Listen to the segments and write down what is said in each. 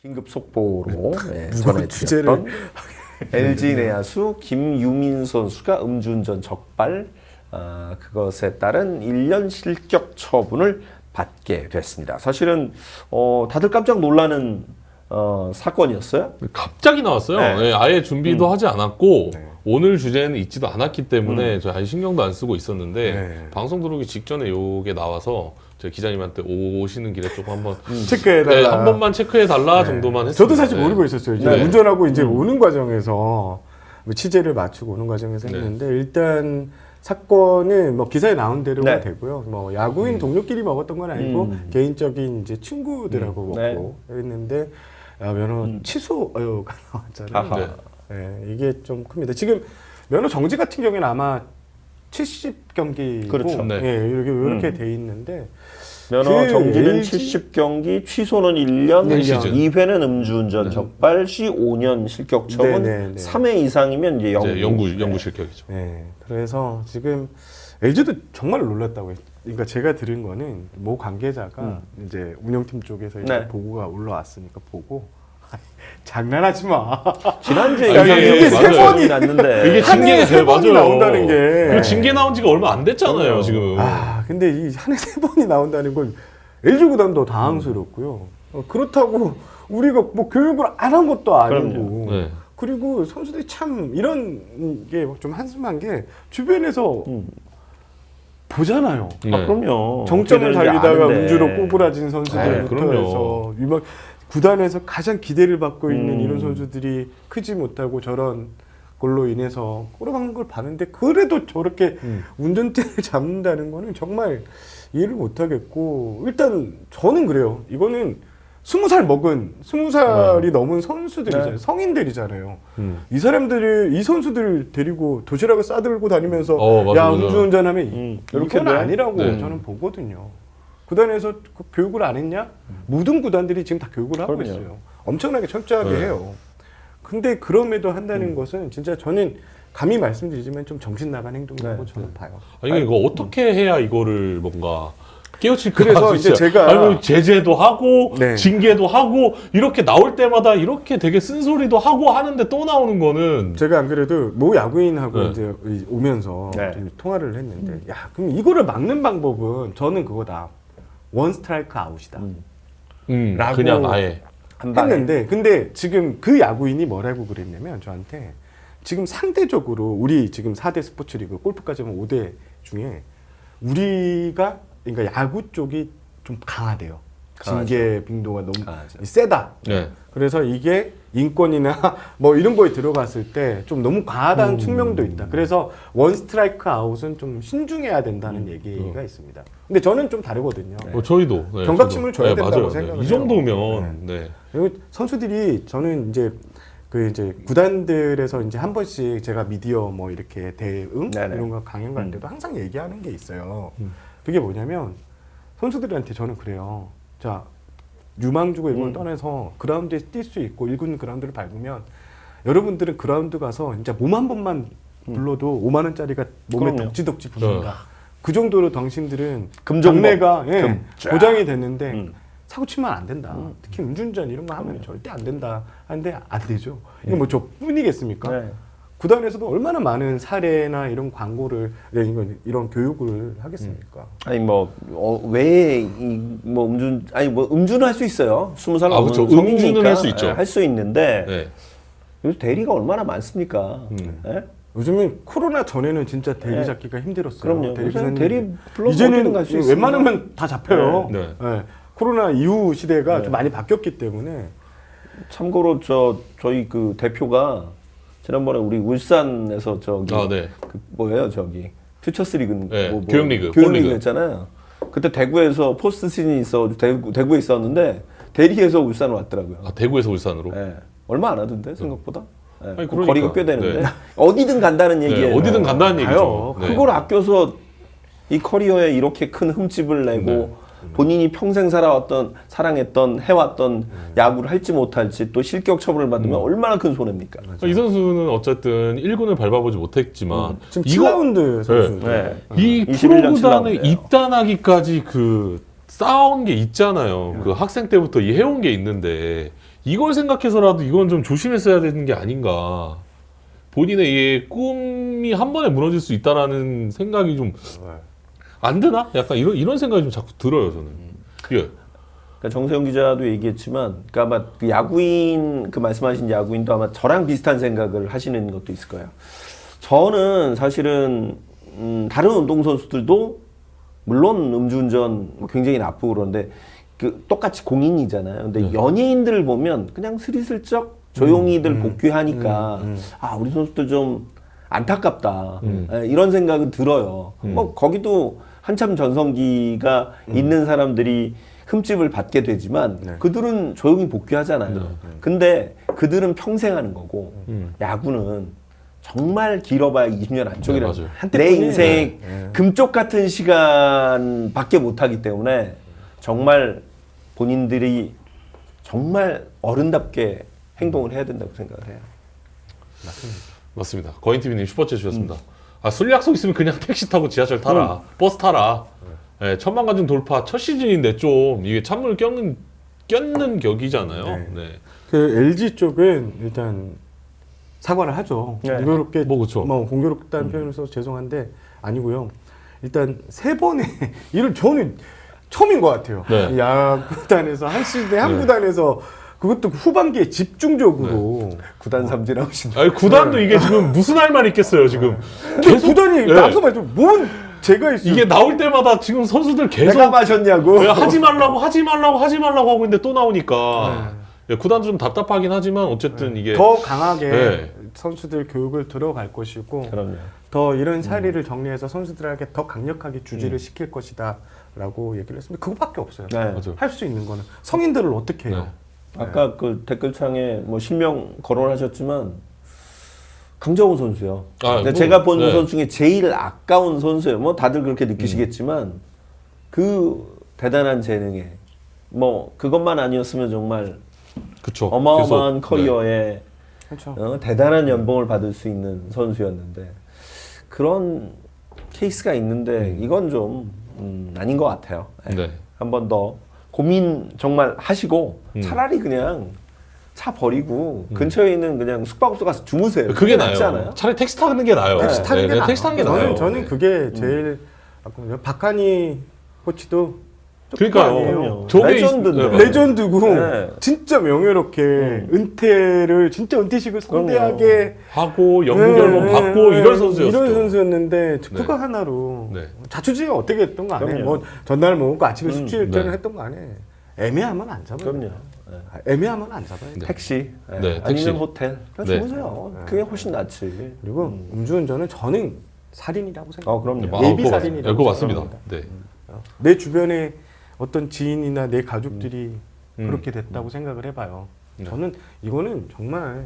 긴급 속보로 주제를 전해드렸던 LG 내야수 김유민 선수가 음주운전 적발, 그것에 따른 1년 실격 처분을 받게 됐습니다. 사실은 다들 깜짝 놀라는 사건이었어요. 갑자기 나왔어요. 네. 네, 아예 준비도 하지 않았고 네. 오늘 주제는 있지도 않았기 때문에 저 아예 신경도 안 쓰고 있었는데 네. 방송 들어오기 직전에 요게 나와서 제가 기자님한테 오시는 길에 조금 한번 체크해달라. 네, 한 번만 체크해달라 네. 정도만 했습니다. 저도 사실 네. 모르고 있었어요. 이제 네. 운전하고 이제 오는 과정에서 뭐 취재를 마치고 오는 과정에서 네. 했는데 일단 사건은 뭐 기사에 나온 대로가 네. 되고요. 뭐 야구인 동료끼리 먹었던 건 아니고 개인적인 이제 친구들하고 네. 먹고 했는데 면허 취소가 나왔잖아요. 아하. 네, 이게 좀 큽니다. 지금 면허 정지 같은 경우에는 아마 70경기고 그렇죠. 네. 이렇게 돼 있는데 면허 그 정지는 LG 70경기, 취소는 1년, 한 시즌. 2회는 음주운전 적발, 시 5년 실격 처분, 네, 네, 네. 3회 이상이면 이제 이제 영구. 영구 실격이죠. 네, 그래서 지금 LG도 정말 놀랐다고. 그러니까 제가 들은 거는 모 관계자가 이제 운영팀 쪽에서 이제 네. 보고가 올라왔으니까 보고 장난하지 마. 지난주에 아, 이게 세 번이 났는데 이게 한 해에 징계 세 번이 맞아요. 나온다는 게. 그리고 징계 나온 지가 얼마 안 됐잖아요, 지금. 근데 이 한 해 세 번이 나온다는 건 LG 구단도 당황스럽고요. 그렇다고 우리가 뭐 교육을 안 한 것도 아니고. 그럼요. 네. 그리고 선수들이 참 이런 게 좀 한심한 게 주변에서 보잖아요. 네. 그럼요. 정점을 어떻게 되는지 달리다가 아는데. 운주로 꼬부라진 선수들부터 그럼요. 해서 유명 구단에서 가장 기대를 받고 있는 이런 음. 선수들이 크지 못하고 저런 걸로 인해서 꼬라박는 걸 봤는데 그래도 저렇게 운전대를 잡는다는 거는 정말 이해를 못하겠고 일단 저는 그래요. 이거는 20살 먹은 20살이 넘은 선수들이잖아요. 네. 성인들이잖아요. 이 사람들을 이 선수들을 데리고 도시락을 싸들고 다니면서 맞아, 야 맞아. 음주운전하면 이렇게 이건 돼? 아니라고 네. 저는 보거든요. 구단에서 그 교육을 안 했냐? 모든 구단들이 지금 다 교육을 하고 그럼요. 있어요. 엄청나게 철저하게 네. 해요. 근데 그럼에도 한다는 것은 진짜 저는 감히 말씀드리지만 좀 정신 나간 행동이라고 네. 저는 봐요. 아니 이거 어떻게 해야 이거를 뭔가 깨우칠까? 그래서 이제 진짜. 제가- 아니 뭐 제재도 하고 네. 징계도 하고 이렇게 나올 때마다 이렇게 되게 쓴소리도 하고 하는데 또 나오는 거는 제가 안 그래도 모 야구인하고 네. 이제 오면서 네. 좀 통화를 했는데 야 그럼 이거를 막는 방법은 저는 그거다. 원 스트라이크 아웃이다. 라고 그냥 아예 한 방에. 했는데 근데 지금 그 야구인이 뭐라고 그랬냐면 저한테 지금 상대적으로 우리 지금 4대 스포츠 리그 골프까지 하면 5대 중에 우리가 그러니까 야구 쪽이 좀 강하대요. 강하죠. 징계 빈도가 너무 강하죠. 세다. 네. 그래서 이게 인권이나 뭐 이런 거에 들어갔을 때 좀 너무 과하다는 측면도 있다. 그래서 원 스트라이크 아웃은 좀 신중해야 된다는 얘기가 있습니다. 근데 저는 좀 다르거든요. 저희도 네, 경각심을 저도. 줘야 된다고 맞아요. 생각을 이 해요. 정도면 네. 그리고 선수들이 저는 이제 그 이제 구단들에서 이제 한 번씩 제가 미디어 뭐 이렇게 대응 네네. 이런 거 강연 가는데도 항상 얘기하는 게 있어요. 그게 뭐냐면 선수들한테 저는 그래요. 자 유망주고 이걸 떠나서 그라운드에 뛸 수 있고 1군 그라운드를 밟으면 여러분들은 그라운드 가서 진짜 몸 한 번만 불러도 5만 원짜리가 몸에 그럼요. 덕지덕지 붙는다. 그 정도로 당신들은 금전법. 장래가 금- 보장이 됐는데 음. 사고 치면 안 된다. 특히 음주운전 이런 거 하면 절대 안 된다. 하는데 안 되죠. 이거 뭐 저뿐이겠습니까? 네. 구단에서도 얼마나 많은 사례나 이런 광고를 이런 교육을 하겠습니까? 아니 뭐 음주는 할 수 있어요. 20살 넘은 그렇죠. 성인이니까 음주는 할수 있죠. 할 수 있는데 네. 요즘 대리가 얼마나 많습니까? 예? 요즘은 코로나 전에는 진짜 대리 잡기가 힘들었어요. 그럼요. 대리 요새는 기사님들이. 대리 불러서 이제는 어디든 갈수 있습니다. 웬만하면 다 잡혀요. 네. 네. 코로나 이후 시대가 네. 좀 많이 바뀌었기 때문에 참고로 저희 그 대표가 지난번에 우리 울산에서 저기 네. 그 뭐예요 저기 퓨처스 리그 네, 교육리그, 교육리그 폴리그. 했잖아요. 그때 대구에서 포스트 시즌이 있어 대구에 있었는데 대리에서 울산 왔더라고요. 대구에서 울산으로. 예. 얼마 안 하던데 생각보다. 예. 아니, 그 그러니까. 거리가 꽤 되는데 네. 어디든 간다는 얘기예요. 네, 어디든 간다는 얘기죠. 네. 그걸 아껴서 이 커리어에 이렇게 큰 흠집을 내고 본인이 평생 사랑했던 해왔던 야구를 할지 못할지 또 실격 처분을 받으면 얼마나 큰 손해입니까? 이 선수는 어쨌든 1군을 밟아보지 못했지만 지금 이거 7라운드 선수. 네. 이 21년 프로구단에 7라운드예요. 입단하기까지 그 쌓아온 게 있잖아요. 그 학생 때부터 이 해온 게 있는데 이걸 생각해서라도 이건 좀 조심했어야 되는 게 아닌가. 본인의 이 꿈이 한 번에 무너질 수 있다라는 생각이 좀 안 드나? 약간 이런 생각이 좀 자꾸 들어요, 저는. 예. 그러니까 정세영 기자도 얘기했지만, 그러니까 아마 그 야구인, 그 말씀하신 야구인도 아마 저랑 비슷한 생각을 하시는 것도 있을 거예요. 저는 사실은 다른 운동선수들도 물론 음주운전 굉장히 나쁘고 그런데 그 똑같이 공인이잖아요. 근데 연예인들을 보면 그냥 스리슬쩍 조용히들 복귀하니까 아 우리 선수들 좀 안타깝다 이런 생각은 들어요. 뭐 거기도 한참 전성기가 있는 사람들이 흠집을 받게 되지만 그들은 조용히 복귀하잖아요. 근데 그들은 평생 하는 거고 야구는 정말 길어봐야 20년 안쪽이라는 네, 맞아요. 내 인생 금쪽 같은 시간밖에 못하기 때문에 정말 본인들이 정말 어른답게 행동을 해야 된다고 생각을 해요. 맞습니다. 거인TV님 슈퍼챗 주셨습니다. 아, 술 약속 있으면 그냥 택시 타고 지하철 타라. 버스 타라. 예, 1000만 관중 돌파 첫 시즌인데 좀 이게 찬물 껴는 격이잖아요. 네. 그 LG 쪽은 일단 사과를 하죠. 네. 공교롭게 뭐 그쵸. 공교롭다는 표현을 써서 죄송한데 아니고요. 일단 3번의 이를 저는 처음인 것 같아요. 네. 야구단에서 한 시즌에 한 구단에서 그것도 후반기에 집중적으로 구단 삼진하고 싶은 아니, 구단도 이게 지금 무슨 할 말 있겠어요, 지금. 근데 구단이 네. 앞서 말했죠. 뭔 제가 있어요. 이게 나올 때마다 지금 선수들 계속 내가 마셨냐고. 왜 하지 말라고 하고 있는데 또 나오니까 예, 구단도 좀 답답하긴 하지만 어쨌든 이게 더 강하게 네. 선수들 교육을 들어갈 것이고 그럼요. 더 이런 사례를 정리해서 선수들에게 더 강력하게 주지를 시킬 것이다 라고 얘기를 했습니다. 그거밖에 없어요. 네. 맞아요. 할 수 있는 거는 성인들을 어떻게 해요? 아까 그 댓글창에 뭐 실명 거론하셨지만 강정호 선수요. 아, 근데 뭐, 제가 본 네. 선수 중에 제일 아까운 선수예요. 뭐 다들 그렇게 느끼시겠지만 그 대단한 재능에 뭐 그것만 아니었으면 정말 그쵸. 어마어마한 계속, 커리어에 그렇죠. 대단한 연봉을 받을 수 있는 선수였는데 그런 케이스가 있는데 이건 좀 아닌 것 같아요. 네. 한 번 더 고민 정말 하시고 차라리 그냥 차 버리고 근처에 있는 그냥 숙박업소 가서 주무세요. 그게 낫지 나아요. 않아요? 차라리 택시 타는 게 나아요. 택시 타는 게 나아요. 택시 타는 게 나아요. 저는 그게 제일 박하니 코치도 그러니까요. 아니에요. 저게 레전드인데. 네, 레전드고 네. 진짜 명예롭게 은퇴를 진짜 은퇴식을 성대하게 하고 연결문 네, 받고 네, 이런 선수였죠. 이런 선수였는데 그거 네. 하나로 네. 자초지가 어떻게 했던 거 안 해. 그럼요. 뭐 전날 먹고 아침에 숙취일전을 네. 했던 거 안 해. 애매하면 안 잡아요. 그럼요. 애매하면 안 잡아요. 네. 택시, 네, 택시. 아니면 호텔. 그냥 네. 주무세요. 그게 훨씬 낫지. 그리고 음주운전은 저는 살인이라고 생각해요. 그럼요. 예비 그거 살인이라고 그거 맞습니다. 생각합니다. 네. 내 주변에 어떤 지인이나 내 가족들이 그렇게 됐다고 생각을 해봐요. 네. 저는 이거는 정말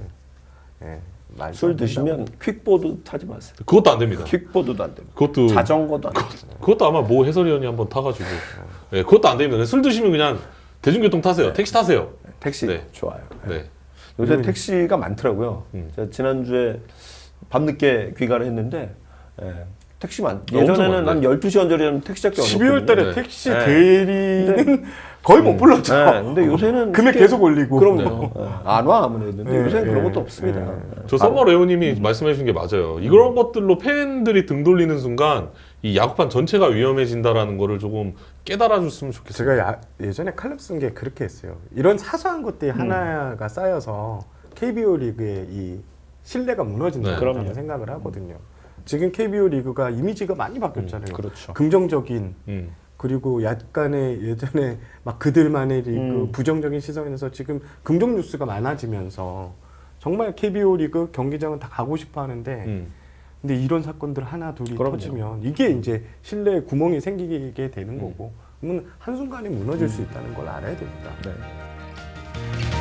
말도 술 안 드시면 퀵보드 타지 마세요. 그것도 안 됩니다. 퀵보드도 안 됩니다. 그것도 자전거도 안 됩니다. 그것도 아마 모 해설위원이 한번 타가지고 네, 그것도 안 됩니다. 술 드시면 그냥 대중교통 타세요. 택시 타세요. 택시 네. 좋아요. 네. 요새 택시가 많더라고요. 제가 지난주에 밤늦게 귀가를 했는데 택시 엄청 예전에는 많네. 한 12시 언저리는 택시 잡기 12월 달에 네. 택시 네. 대리는 거의 못 불렀죠. 네, 근데 요새는 금액 쉽게- 계속 올리고. 그럼요. 안 와 아무래도. 근데 네, 요새는 그런 네, 것도 없습니다. 네. 저 썸머 레오님이 말씀해 주신 게 맞아요. 이런 것들로 팬들이 등 돌리는 순간 이 야구판 전체가 위험해진다라는 거를 조금 깨달아 줬으면 좋겠어요. 제가 예전에 칼럼 쓴 게 그렇게 했어요. 이런 사소한 것들이 하나가 쌓여서 KBO 리그의 이 신뢰가 무너진다고 네. 저는 생각을 하거든요. 지금 KBO 리그가 이미지가 많이 바뀌었잖아요. 그렇죠. 긍정적인 음. 그리고 약간의 예전에 막 그들만의 리그 부정적인 시선에서 지금 긍정 뉴스가 많아지면서 정말 KBO 리그 경기장은 다 가고 싶어 하는데 근데 이런 사건들 하나 둘이 그럼요. 터지면 이게 이제 신뢰에 구멍이 생기게 되는 거고 그러면 한순간에 무너질 수 있다는 걸 알아야 됩니다. 네.